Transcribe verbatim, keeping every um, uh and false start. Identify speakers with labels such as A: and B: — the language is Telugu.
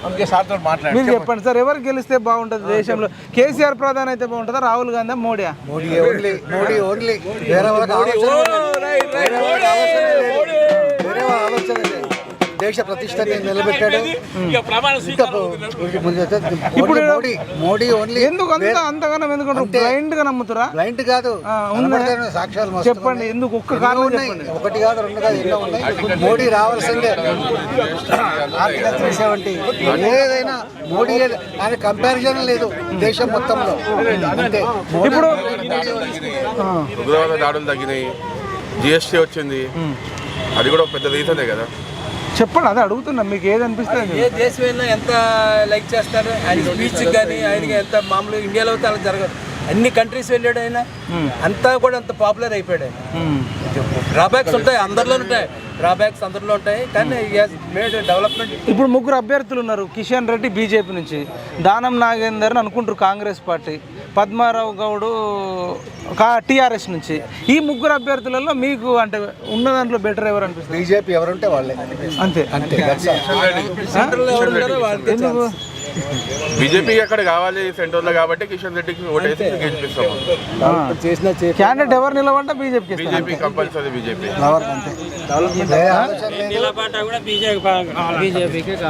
A: అందుకే సార్తో మాట్లాడి
B: మీరు చెప్పండి సార్, ఎవరు గెలిస్తే బాగుంటుంది దేశంలో? కేసీఆర్ ప్రధాని అయితే బాగుంటుందా, రాహుల్ గాంధీ, మోడీ?
C: మోడీ ఓన్లీ మోడీ ఓన్లీ వేరే వాళ్ళకి ఆలోచన వేరే వాళ్ళ ఆలోచన లేదు. దేశ ప్రతిష్టని నిలబెట్టాడు. ఇప్పుడు మోడీ మోడీ ఓన్లీ.
B: ఎందుకు అంత అంతగానో ఎందుకంటారు? బ్లైండ్ గా నమ్ముతారా?
C: బ్లైండ్ కాదు, సాక్ష్యాలు
B: చెప్పండి. ఎందుకు ఒక్క కారణం చెప్పండి.
C: ఒకటి కాదు, రెండు కాదు, ఎన్నో ఉన్నాయి. మోడీ రావాల్సిందే. సెవెంటీ ఏదైనా మోడీ ఆయన కంపారిజన్ లేదు దేశం మొత్తంలో. అంతే.
B: ఇప్పుడు
D: ఉగ్రవాద దాడులు తగ్గినాయి, జిఎస్టీ వచ్చింది, అది కూడా ఒక పెద్ద రీజనే కదా.
B: చెప్పండి, అదే అడుగుతున్నా, మీకు ఏది అనిపిస్తుంది?
E: ఏ దేశం అయినా ఎంత లైక్ చేస్తారు ఆయన స్పీచ్ కానీ, ఆయనకి ఎంత మామూలు ఇండియాలో అయితే అలా జరగదు. అన్ని కంట్రీస్ వెళ్ళాడు ఆయన, అంతా కూడా అంత పాపులర్ అయిపోయాడు ఆయన. డ్రాబ్యాక్స్ ఉంటాయి, అందరిలో ఉంటాయి డ్రాబ్యాక్స్, అందరిలో ఉంటాయి, కానీ మేడ్ డెవలప్మెంట్.
B: ఇప్పుడు ముగ్గురు అభ్యర్థులు ఉన్నారు. కిషన్ రెడ్డి బీజేపీ నుంచి, దానం నాగేందర్ అని అనుకుంటారు కాంగ్రెస్ పార్టీ, పద్మారావు గౌడు టీఆర్ఎస్ నుంచి. ఈ ముగ్గురు అభ్యర్థులలో మీకు అంటే ఉన్న దాంట్లో బెటర్ ఎవరు అనిపిస్తుంది?
C: బీజేపీ ఎవరుంటే వాళ్ళే.
B: అంతే
C: అంతే.
B: ఎందుకు?
D: బీజేపీ అక్కడ కావాలి సెంటర్లో, కాబట్టి కిషన్ రెడ్డికి ఓటేసి గెలిపిస్తాము.
B: క్యాండిడేట్ ఎవరు నిలబడ్డా బీజేపీ
D: బీజేపీ కంపల్సరీ బీజేపీ.
C: అంతే.